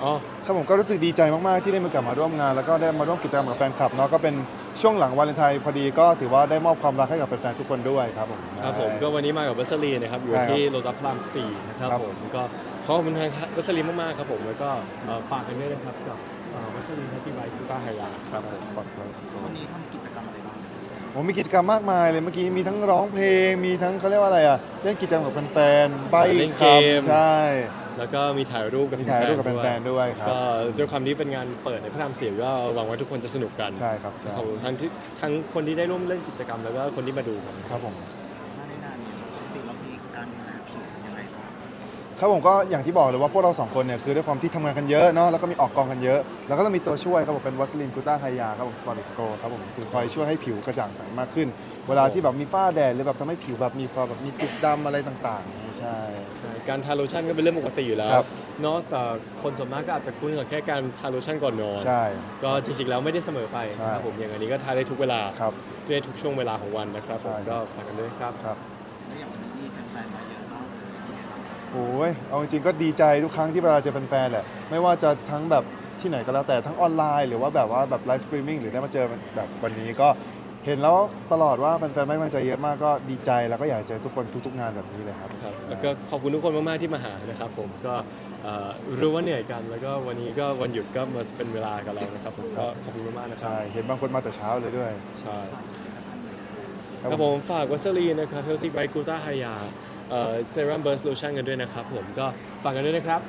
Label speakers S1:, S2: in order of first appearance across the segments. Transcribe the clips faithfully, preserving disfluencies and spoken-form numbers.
S1: อ๋อ
S2: ครับผมก็รู้สึกดีใจมากๆที่ได้มีโอกาสมาร่วมงานแล้วก็ได้มาร่วมกิจกรรมกับแฟนคลับเนาะก็เป็นช่วงหลังวาเลนไทน์พอดีก็ถือว่าได้มอบความรักให้กับแฟนๆทุกคนด้วยครับผม
S1: ครับผมก็วันนี้มากับวัสลีนะครับอยู่ที่โลตัสพระรามสี่นะครับผมก็ขอบคุณทางวัสลีมากๆครับผมแล้วก็ฝากกันด้วยนะครับกับวัสลีแฮปปี้ไบค์คูต้าไฮยาครับ
S2: สปอร์ตไลท์
S3: วันนี้ทำกิจกรรมอะไรบ้าง
S2: ผมมีกิจกรรมมากมายเลยเมื่อกี้มีทั้งร้องเพลงมีทั้งเขาเรียกว่าอะไรอ่ะเล่นกิจกรรมกับแฟนๆใบ้คำใช่
S1: แล้วก็มีถ่ายรูปกับ
S2: มีถ่ายรูปกับแฟนๆด้วยครับ
S1: ก็ด้วยความที่เป็นงานเปิดในพระรามสี่ก็หวังว่าทุกคนจะสนุกกัน
S2: ใช่ครับใช่
S1: ของทั้งที่ทั้งคนที่ได้ร่วมเล่นกิจกรรมแล้วก็คนที่มาดูครับ
S2: ครับผม
S3: หน้าในนานนี้ปกติเรามีการดูแลผิวยังไงบ้าง
S2: ครับผมก็อย่างที่บอกเลยว่าพวกเราสองคนเนี่ยคือด้วยความที่ทำงานกันเยอะเนาะแล้วก็มีออกกองกันเยอะแล้วก็ต้องมีตัวช่วยครับผมเป็นวัสลินกูต้าไฮยาครับผมสปอร์ตสโกครับผมคือคอยช่วยให้ผิวกระจ่างใสมากขึ้นเวลาที่แบบมีฝ้าแดดหรือแบบทำให้ผิวแบบมีความแบบมีจุดดำอะไรต่างๆใช่
S1: การทาโลชั่นก็เป็นเรื่องปกติอยู่แล้วเนาะแต่คนส่วนมากก็อาจจะคุ้นกับแค่การทาโลชั่นก่อนนอน
S2: ใช่
S1: ก็จริงๆแล้วไม่ได้เสมอไปครับผมอย่างอันนี้ก็ทาได้ทุกเวลา
S2: ครับ
S1: ด้วยทุกช่วงเวลาของวันนะครับผมก็ฝากกันด้วยครับ
S2: ครับ
S3: แล้วอย่างวันนี้มีแฟนๆมาเยอะมากเลย
S2: โอ้ยเอาจริงๆก็ดีใจทุกครั้งที่เวลาเจอแฟนๆแหละไม่ว่าจะทั้งแบบที่ไหนก็แล้วแต่ทั้งออนไลน์หรือว่าแบบว่าแบบไลฟ์สตรีมมิ่งหรือได้มาเจอแบบวันนี้ก็เห็นแล้วตลอดว่าแฟนๆให้กำลังใจเยอะมากก็ดีใจแล้วก็อยากเจอทุกคนทุกๆงานแบบนี้เลยครับ
S1: ครับแล้วก็ขอบคุณทุกคนมากๆที่มาหานะครับผมก็รู้ว่าเหนื่อยกันแล้วก็วันนี้ก็วันหยุดก็มาเป็นเวลากับเรานะครับผมก็ขอบคุณมากๆนะครับ
S2: ใช่เห็นบางคนมาแต่เช้าเลยด้วย
S1: ใช่ครับผมฝากวัสลีนะครับ Healthy Bright Gluta Hya เซรั่มเบิร์สโลชั่นกันด้วยนะครับผมก็ฝากกันด้วยนะครับ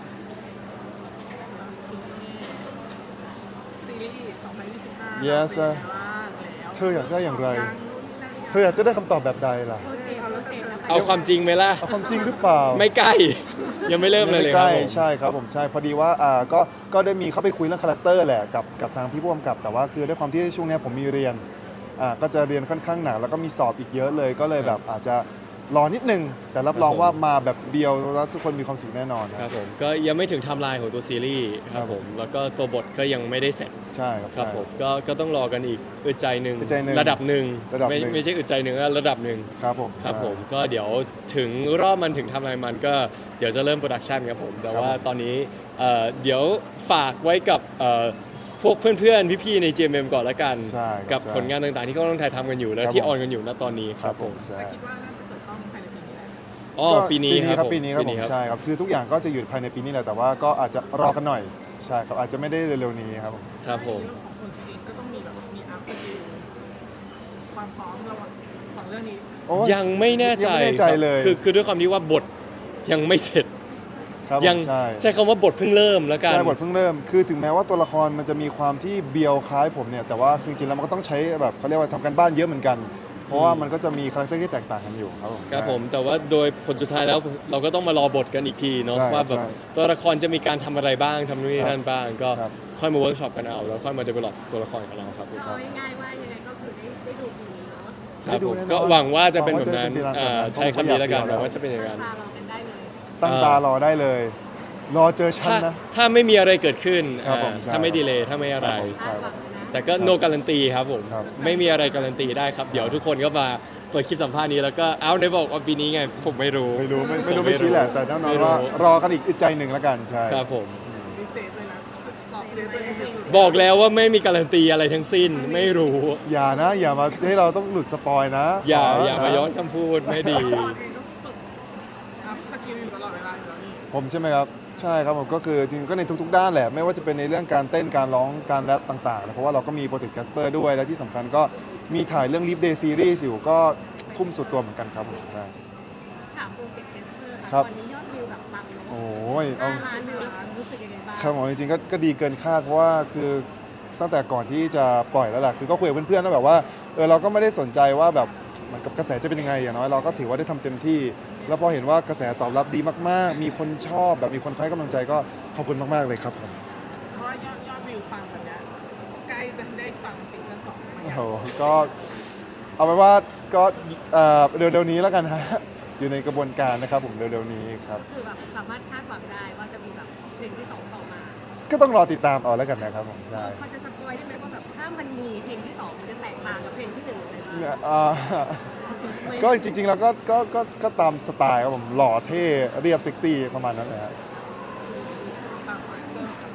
S4: ซีรีส์สองพันยี่สิบห้า
S2: Yes เธออยากได้อย่างไรเธออยากจะได้คำตอบแบบใดล่ะ
S1: เอาความจริงไหมล่ะ
S2: เอาความจริงหรือเปล่า
S1: ไม่ใกล้ยังไม่เริ่มเลยเลยครับ
S2: ใช่ครับผมใช่พอดีว่าอ่าก็ก็ได้มีเข้าไปคุยเรื่องคาแรคเตอร์แหละกับกับทางพี่ผู้กำกับแต่ว่าคือด้วยความที่ช่วงนี้ผมมีเรียนอ่าก็จะเรียนค่อนข้างหนักแล้วก็มีสอบอีกเยอะเลยก็เลยแบบอาจจะรอนิดนึงแต่รับรองว่ามาแบบเดียวแล้วทุกคนมีความสุขแน่นอน
S1: ครับผมก็ยังไม่ถึงไทม์ไลน์ของตัวซีรีส์ครับผมแล้วก็ตัวบทก็ยังไม่ได้เสร็จ
S2: ใช่ครับ
S1: ครับผมก็ก็ต้องรอกันอีกอึดใจหนึ่งระดับหนึ่งไม่ไม่ใช่อึดใจหนึ่งระดับหนึ่ง
S2: ครับผม
S1: ครับผมก็เดี๋ยวถึงรอบมันถึงไทม์ไลน์มันก็เดี๋ยวจะเริ่มโปรดักชันครับผมแต่ว่าตอนนี้เดี๋ยวฝากไว้กับพวกเพื่อนๆพี่ๆใน จี เอ็ม เอ็ม ก่อนละกันกับผลงานต่างๆที่เขาต้องถ่ายทำกันอยู่และที่ออนกันอยู่ณตอนนี้ครับผม
S4: คิดว่าน่าจะเปิดกล้องภายในปีนี้แหละ
S1: อ๋อปีนี้
S2: ครับปีนี้ครับผมใช่ครับคือทุกอย่างก็จะอยู่ภายในปีนี้แหละแต่ว่าก็อาจจะรอกันหน่อยใช่ครับอาจจะไม่ได้เร็วๆนี้ครับผม
S1: ครับผม
S4: สองคนเองก็ต้องมีแบบมีอัพสกิลความพร้อมระหว่างของเรื่องนี้
S1: ยังไม่แน่ใจ
S2: เลย
S1: คือคือด้วยความที่ว่าบทยังไม่เสร็จยังใช้คำว่าบทเพิ่งเริ่มแล้วกัน
S2: ใช่บทเพิ่งเริ่มคือถึงแม้ว่าตัวละครมันจะมีความที่เบียวคล้ายผมเนี่ยแต่ว่าจริงๆแล้วมันก็ต้องใช้แบบเขาเรียกว่าทำกันบ้านเยอะเหมือนกันเพราะว่ามันก็จะมีคาแรคเตอร์ที่แตกต่างกันอยู่ครับผม
S1: ครับผมแต่ว่าโดยผลสุดท้ายแล้วเราก็ต้องมารอบทกันอีกทีเนาะว่าแบบตัวละครจะมีการทำอะไรบ้างทำนู่นนี่นั่นบ้างก็ค่อยมาเวิร์กช็อปกันเอาแล้วค่อยมาเดเวลลอปตัวละครของเราครับ
S5: เอาง่ายๆว่ายังไงก็คือได้ได้ดูปีนี้เนาะ
S1: ครับผมก็หวังว่าจะเป็นแบบนั้นใช้คำนี้แล้วกันหวังว่าจะเป็นอย่างนั้น
S2: ตั้งตารอได้เลยรอเจอฉันนะ
S1: ถ้าไม่มีอะไรเกิดขึ้นถ้าไม่ดีเลยถ้าไม่อะไรแต่ก็โนการันตีครับผมไม่มีอะไรการันตีได้ครับเดี๋ยวทุกคนก็มาเปิดคลิปสัมภาษณ์นี้แล้วก็เอ้าได้บอกว่าปีนี้ไงผมไม่รู้
S2: ไม่รู้ไม่รู้ไม่ชี้แหละแต่แน่นอนว่ารอกันอีกอึดใจหนึ่งแล้วกันใช่
S1: ครับผม
S4: พิเศษเลยนะตอบเซฟเลย
S1: บอกแล้วว่าไม่มีการันตีอะไรทั้งสิ้นไม่รู้
S2: อย่านะอย่ามาให้เราต้องหลุดสปอยนะ
S1: อย่าอย่ามาย้อนคำพูดไม่ดี
S4: สกิลอยู่ตลอดเวลาอยู่แล้วนี่
S2: ผมใช่ไหมครับใช่ครับผมก็คือจริงก็ในทุกๆด้านแหละไม่ว่าจะเป็นในเรื่องการเต้นการร้องการแรปต่างๆเพราะว่าเราก็มีโปรเจกต์ Jasper ด้วยและที่สำคัญก็มีถ่ายเรื่อง Leap Day Series อยู่ก็ทุ่มสุดตัวเหมือนกันครับผมใช่
S5: ถามโปรเจกต์ Jasper ค่ะตอนนี้ยอดวิวแบบปังเนาะ
S2: โอ้ย
S5: ห้าล้านวิวรู้สึกยังไงบ้าง
S2: ครับผมจริงๆก็ดีเกินคาดเพราะว่าคือตั้งแต่ก่อนที่จะปล่อยแล้วแหละคือก็คุยกับเพื่อนๆแล้วแบบว่าเออเราก็ไม่ได้สนใจว่าแบบมันกับกระแสจะเป็นยังไงอย่างน้อยเราก็ถือว่าได้ทำเต็มที่แล้วพอเห็นว่ากระแสตอบรับดีมากๆมีคนชอบแบบมีคนให้กำลังใจก็ขอบคุณมากๆเลยครับผม
S4: เพราะว่ายอดยอดวิวปังแบบนี้ใกล้จะได้ฟังซิงเกิลสอง
S2: โอ้โหก็เอาไว้ว่าก็เร็วๆนี้แล้วกันฮะอยู่ในกระบวนการนะครับผมเร็วๆนี้ครับ
S5: คือแบบสามารถคาดหวังได้ว่าจะมีแบบเพลงที่สองต่อมา
S2: ก็ต้องรอติดตามเอาแล้วกันนะครับผมใช่
S5: พอจะสปอยได้ไหมว่าแบบถ้ามันมีเพลงที่สองมันจะแตกต่างกับเพลงที่หนึ่งเลยไหม
S2: ก็จริงๆแล้วก็ก็ก็ก็ตามสไตล์ครับผมหล่อเท่เรียบเซ็กซี่ประมาณนั้นแหละครับ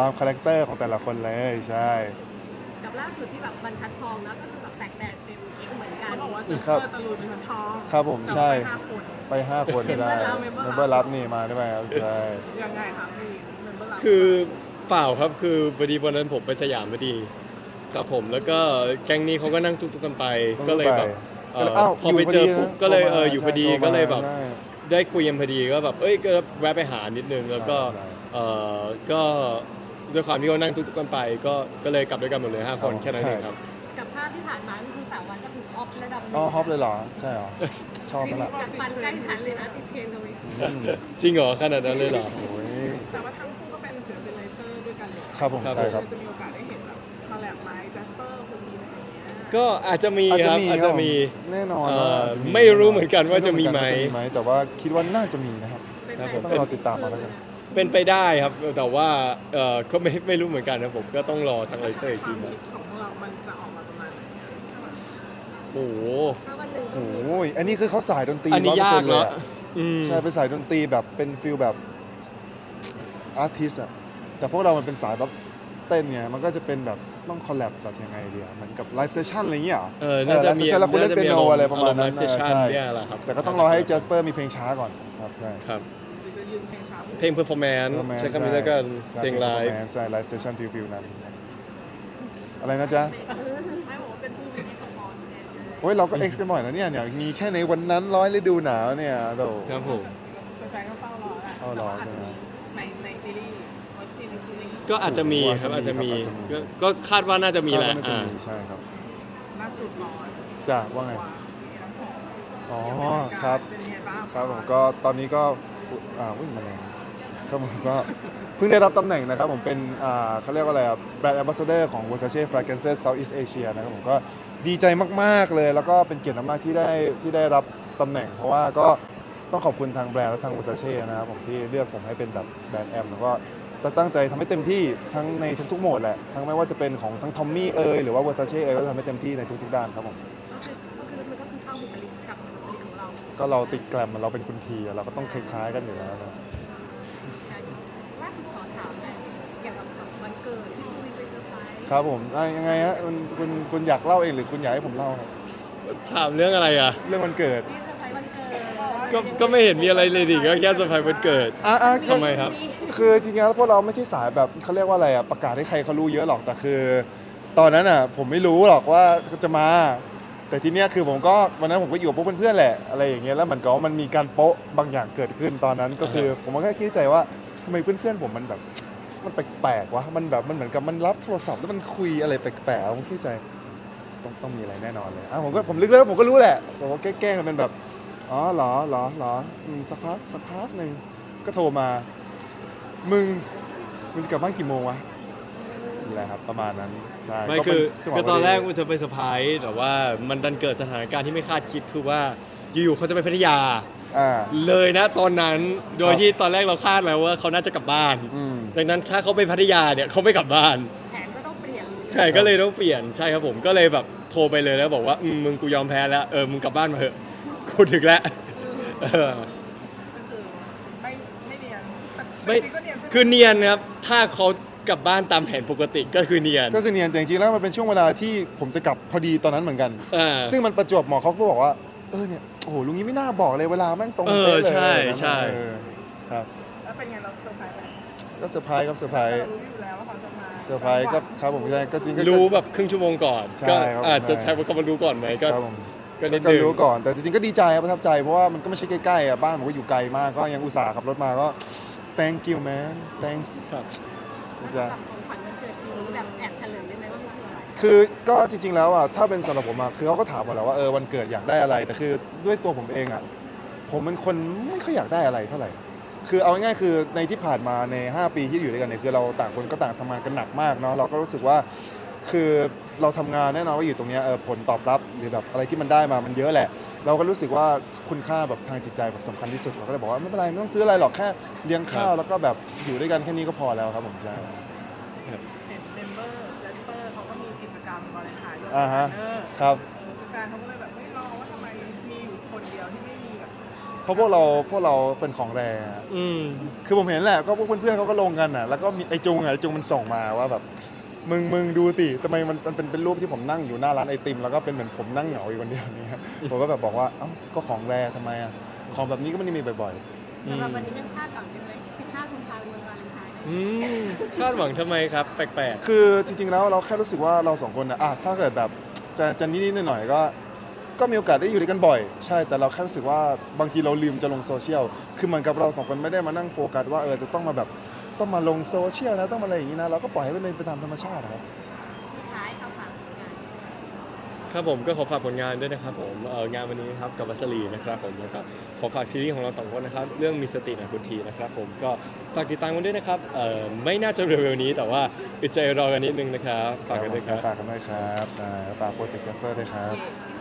S2: ตามคาแรคเตอร์ของแต่ละคนเลยใช่
S5: กับล่าสุดที่แบบบรรทัดทองแล้วก็คือแบบแตกแตกเต็มอีกเหมือนกัน
S4: เขาบอกว่า
S2: อื
S4: จะ
S2: มครับ
S4: เปิดตะลุยเป็นคนทอง
S2: ครับผมใช่
S4: ไปห้าคน
S2: ไป ห้า คนได้
S4: Member รับ
S2: เมมเบอร์รับนี่มาได้ไหมครับใช่
S4: ยังไงครับพี่เมมเบอร์รับ
S1: คือเปล่าครับคือพอดีวันนั้นผมไปสยามพอดีครับผมแล้วก็แก๊งนี้เขาก็นั่งตุ๊กๆกันไป
S2: ต้อง
S1: ก็เลยแบบ
S2: ไป
S1: เอ่อ
S2: อ้าว
S1: พอไปเจอ
S2: อยู่พอดี
S1: ปุ๊บ
S2: นะ
S1: ก็เลย
S2: โทรมา
S1: เอออยู่พอดี
S2: ใช่โทรมา
S1: ก็เลยแบบ
S2: ใช่
S1: ได้คุยกันพอดีก็แบบเอ้ยก็แวะไปหานิดนึงแล้วก็
S2: ใช่
S1: เออก็ด้วยความที่เขานั่งตุ๊กๆกันไป ก็ก็เลยกลับด้วยกันหมดเลยห้าคน
S2: ใช่
S1: แค่นั้นเองครับ
S5: กับภาพที่ผ่านมานี่คือสามวันก็ถูกออฟระดับหนึ่ง
S2: อ๋อฮอปเลยเหรอใช่เหรอชอบไหมล่ะ
S5: จากฟันใกล้ฉันเลยนะติดเทรนด์เลย
S2: อืม
S1: จริงเหรอขนาดนั้นเลยเหรอ
S2: โอ้ย
S4: แต่ว่าทั้งคู่ก็เป็นศิลปินไลเซอร์ด้วยกันเลย
S2: ครับผม
S1: ครับ
S2: ใช่ครับ
S4: จะมีโอกาสได้เห็นแบบคอลแลบไลฟ์แจสเปอร์คนดีอะไรอย่างเงี้ย
S1: ก็อาจจะมีครับอาจจะมี
S2: แน่นอน
S1: เอ่อ
S2: ว่าอาจจะ
S1: ไม่รู้เหมือนกันว่าจะมีไหม
S2: ไรู้เอนกันว่าจะมีไหมแต่ว่าคิดว่าน่าจะมีนะครับ
S1: ครับผม
S2: ต้องรอติดตามมาแล้วกัน
S1: เป็นไปได้ครับแต่ว่าเออก็ไม่ไม่รู้เหมือนกันนะผมก็ต้องรอทางไลเซอร์อีก
S4: ค
S1: ที
S4: วาม
S1: นะ
S4: คิดของพวกเรามันจะออกมาประมาณไหน
S1: โอ้โห
S5: ถ้าวันหนึ่ง
S2: โอ้ยอันนี้คือเขาสายดนตรี
S1: อันนี้ยาก
S2: ร้อยเปอร์เซ็นต์เลย
S1: เนาะ
S2: อะ
S1: อืม
S2: ใช่เป็นสายดนตรีแบบเป็นฟิลแบบอาร์ติสอะแต่พวกเรามันเป็นสายแบบเต้นเนี่ยมันก็จะเป็นแบบต้องคอลแลบแบบยังไงดีอะเหมือนกับไลฟ์เซสชั่นอะไรอย่างเงี้ยหรอ
S1: เออน่าจะมี
S2: เออ live session แล้วคุณเล่นเปียโนอะไรประมาณนั้น
S1: เซสชั่น
S2: ใช่
S1: เนี่ยแหละครับ
S2: แต่ก็ต้องรอให้เจสเปอร์มีเพลงช้าก่อนครับใช่
S1: ครับ
S4: หรือจะยืนเพลงช้า
S1: เพลงเพอร์ฟอร์แมนซ์ใช้คำนี้แล้วกัน
S2: ใช่
S1: เพลงไลฟ์
S2: ใช่ไลฟ์เซสชั่นฟิลฟิลนั้นอะไรนะจ๊ะ
S5: ไม่บอกว่าเป็นผู้มีสปอนแทนเลย
S2: โอ้ยเราก็เอ็กซ์กันบ่อยนะเนี่ยเนี่ยมีแค่ในวันนั้นร้อยฤดูหนาวเนี่ยโด
S1: ครับผม
S4: แฟนๆก็เฝ้ารอแหละ
S2: เฝ้ารอ
S4: แต่ว่าอาจจะมี
S2: ใช่ไหม
S4: ในในซีรีส์วัซีในซีรีส์
S1: ก็อาจจะมีครับอาจจะมี
S2: อาจจะมี
S1: ก็ก็คาดว่าน่าจะมีแหละ
S2: คาดว่าน่าจะ
S1: อ่า
S2: มีใช่ครับ
S4: ล่าสุดก่อน
S2: จ้ะว่าไง
S4: วางมีน้ำหอม
S2: อ๋อ
S4: ยังไม่ทำกา
S2: ครับ
S4: เป็นไงบ้าง
S2: ครับผมก็ตอนนี้ก็อุ๊ยอ่าวิ่งมาแรงครับผมก็เพิ่งได้รับตำแหน่งนะครับผมเป็นอ่าเขาเรียกว่าอะไรแบรนด์แอมบาสเดอร์ของ Versace Fragrances Southeast Asia นะครับผมก็ดีใจมากๆเลย แล้วก็เป็นเกียรติมากๆที่ได้ที่ได้รับตำแหน่ง เพราะว่าก็ต้องขอบคุณทางแบรนด์และทาง Versace นะครับผมที่เลือกผมให้เป็นแบบแบรนด์แอมแล้วก็จะตั้งใจทำให้เต็มที่ทั้งในทุกๆโหมดแหละทั้งไม่ว่าจะเป็นของทั้งทอมมี่เอยหรือว่า Versace เอยก็ทำให้เต็มที่ในทุกๆด้านครับผม
S5: ก็คือก็คือมันก็คือเข้าบุคลิกกับบุคลิกของเรา
S2: ก็เราติดแกรมเราเป็นคุณทีเราก็ต้องคล้ายๆกันอยู่แล้วนะ
S5: ล่าสุดขอถามหน่อยเกี่ยวกับกับวันเกิดที่คุยไปเซอร์ไพรส์
S2: ครับผมอ่ะยังไงฮะคุณคุณคุณอยากเล่าเองหรือคุณอยากให้ผมเล่าครับ
S1: ถามเรื่องอะไรอ่ะ
S2: เรื่องวันเกิด
S5: ที่เซอร์ไพรส์วันเกิด
S1: ก็ก็ไม่เห็นมีอะไรเลยดิก็แค่เซอร์ไพรส์วันเกิด
S2: อ่ะอ่ะ
S1: ทำไมครับ
S2: คือจริงๆแล้วพวกเราไม่ใช่สายแบบเขาเรียกว่าอะไรอ่ะประกาศให้ใครเขารู้เยอะหรอกแต่คือ ตอนนั้นอ่ะผมไม่รู้หรอกว่าจะมา แต่ทีเนี้ยคือผมก็วันนั้นผมก็อยู่กับพวกเพื่อนๆแหละอะไรอย่างเงี้ยแล้วมันก็มันมีการโป๊ะบางอย่างเกิดขึ้นตอนนั้นก็คือ ผมก็แค่คิดในใจว่าทำไมเพื่อนๆผมมันแบบมันแปลกๆวะมันแบบมันเหมือนกับมันรับโทรศัพท์แล้วมันคุยอะไรแปลกๆผมคิดในใจต้องต้องมีอะไรแน่นอนเลยอ่ะผมก็ผมลึกแล้วผมก็รู้แหละผมก็แกล้งๆมันเป็นแบบอ๋อเหรอเหรอเหรออืมสักพักสักพักหนึ่งก็โทรมา มึงมึงจะกลับบ้านกี่โมงวะนี่แหละครับประมาณนั้นใช่
S1: ไม่
S2: ก็
S1: คื
S2: เป็
S1: อ
S2: จังหวะ
S1: คือตอน
S2: พดี
S1: แรกมันจะไปเซอร์ไพรส์แต่ว่ามันดันเกิดสถานการณ์ที่ไม่คาดคิดคือว่าอยู่ๆเขาจะไปพัทยา
S2: อ่า
S1: เลยนะตอนนั้นโดยที่ตอนแรกเราคาดแล้วว่าเขาน่าจะกลับบ้าน
S2: อืม
S1: ดังนั้นถ้าเขาไปพัทยาเนี่ยเขาไม่กลับบ้าน
S5: แผนก็ต้องเปลี่ยน
S1: ใช่ก็เลยต้องเปลี่ยนใช่ครับผมก็เลยแบบโทรไปเลยแล้วบอกว่าอืมมึงกูยอมแพ้แล้วเออมึงกลับบ้านมาเถอะกูถึงแล้วเออ
S4: ก็คือไม่ไม่เนียนแต่
S1: ไม่
S4: จริงๆก็เนียนใช่ไหม
S1: คือเนียนครับถ้าเขากลับบ้านตามแผนปกติก็คือเนียน
S2: ก็คือเนียนแต่จริงๆแล้วมันเป็นช่วงเวลาที่ผมจะกลับพอดีตอนนั้นเหมือนกัน
S1: อ่า
S2: ซึ่งมันประจวบเหมาะเขาก็บอกว่าเออเนี่ยโอ้โหลุงนี้ไม่น่าบอกเลยเวลาแม่งตรง
S1: เออ
S2: เป๊ะเลย
S1: ใช่
S2: นะ
S1: ใช่
S2: เออครับ
S4: แล้วเป็นไงเราเซอร์ไพรส์ไหม
S2: ก็เซอร์ไพรส์ครับเซอร์ไพร
S4: เรา
S2: ส์
S4: รู้อยู่แล้วว่าเขาจะมา
S2: เซอร์ไพรส์ก็ครับผมใช่ก็จริงก็
S1: รู้แบบครึ่งชั่วโมงก่อน
S2: ใช่
S1: ก็
S2: ครับ
S1: อาจจะ
S2: ใช่
S1: ใช้คำว่ารู้ก่อนไหมก็
S2: ครับผม
S1: ก็นิด
S2: ก็
S1: นึง
S2: รู้ก่อนแต่จริงๆก็ดีใจครับประทับใจเพราะว่ามันก็ไม่ใช่ใกล้ๆอ่ะบ้านผมก็อยู่ไกลมากก็ยังอุตส่าห์ขับรถมาก็ thank you man thanks
S1: ครับ
S2: จะ
S5: สำหรับของขวัญวันเกิดปีนี้แบบแอบเฉลยได้ไหมว่ามันคืออะไร
S2: คือก็จริงๆแล้วอ่ะถ้าเป็นสำหรับผมอ่ะคือเขาก็ถามหมดแล้วว่าเออวันเกิดอยากได้อะไร แต่คือด้วยตัวผมเองอ่ะผมเป็นคนไม่ค่อยอยากได้อะไรเท่าไหร่ คือเอาง่ายๆคือในที่ผ่านมาใน ห้า ปีที่อยู่ด้วยกันเนี่ยคือเราต่างคนก็ต่างทำงานกันหนักมากเนาะเราก็รู้สึกว่าคือเราทำงานแน่นอนว่าอยู่ตรงเนี้ยเออผลตอบรับหรือแบบอะไรที่มันได้มามันเยอะแหละ เราก็รู้สึกว่าคุณค่าแบบทางจิตใจแบบสำคัญที่สุดเราก็เลยบอกว่าไม่เป็นไรไม่ต้องซื้ออะไรหรอกแค่เลี้ยงข้าวแล้วก็แบบอยู่ด้วยกันแค่นี้ก็พอแล้วครับผมใช่
S4: เห็นเมมเบอร์เจสเปอร์เขาก็มีกิจกรรมวาเลนไทน์ด้วย
S2: อ่าฮะ
S4: เออ
S2: ครับ
S4: เออแฟนเขาก็เลยแบบไม่รอว่าทำไมมีอยู่คนเดียวที่ไม่มีแบบ
S2: เพราะพวกเราพวกเราเป็นของแรงอะ
S1: อืม
S2: คือผมเห็นแหละก็พวกเพื่อนๆเขาก็ลงกันอ่ะแล้วก็มีไอจุงอะไอจุงมันส่งมาว่าแบบมึงมึงดูสิทำไมมันมันเป็นเป็นรูปที่ผมนั่งอยู่หน้าร้านไอติมแล้วก็เป็นเหมือนผมนั่งเหงาอยู่คนเดียวเนี่ยผมก็แบบบอกว่าเอ้าก็ของแรงทำไมอ่ะของแบบนี้ก็ไม่ได้มีบ่อย
S5: สำหรับวันนี้ยังคาดหวังอยู่เลยสิบห้ากุมภาพันธ์วันวาเลนไทน์นะ
S1: อืมคาดหวังทำไมครับ แปลก
S2: ๆ คือจริงๆแล้วเราแค่รู้สึกว่าเราสองคนนะอ่ะถ้าเกิดแบบจะจะนิดๆหน่อยๆก็ ก็มีโอกาสได้อยู่ด้วยกันบ่อยใช่แต่เราแค่รู้สึกว่าบางทีเราลืมจะลงโซเชียลคือเหมือนกับเราสองคนไม่ได้มานั่งโฟกัสว่าเออจะต้องมาแบบต้องมาลงโซเชียลนะต้องมาอะไรอย่างนี้นะเราก็ปล่อยให้มันเป็นไปตามธรรมชาตินะครับ
S5: สุดท้ายเขาฝากผลงาน
S1: ๆ ครับผมก็ขอฝากผลงานด้วยนะครับผมเอ่องานวันนี้นะครับกับวัสลีนะครับผมแล้วก็ขอฝากซีรีส์ของเราสองคนนะครับเรื่องมีสตินะคุณทีนะครับผมก็ฝากติดตามกันด้วยนะครับเอ่อไม่น่าจะเร็วๆนี้แต่ว่าอึดใจรอกันนิดนึงนะครับฝากกันด้วยครับ
S2: ฝากกันด้วยครับใช่ฝากโปรเจกต์แคสเปอร์ด้วยครับ
S5: โอเค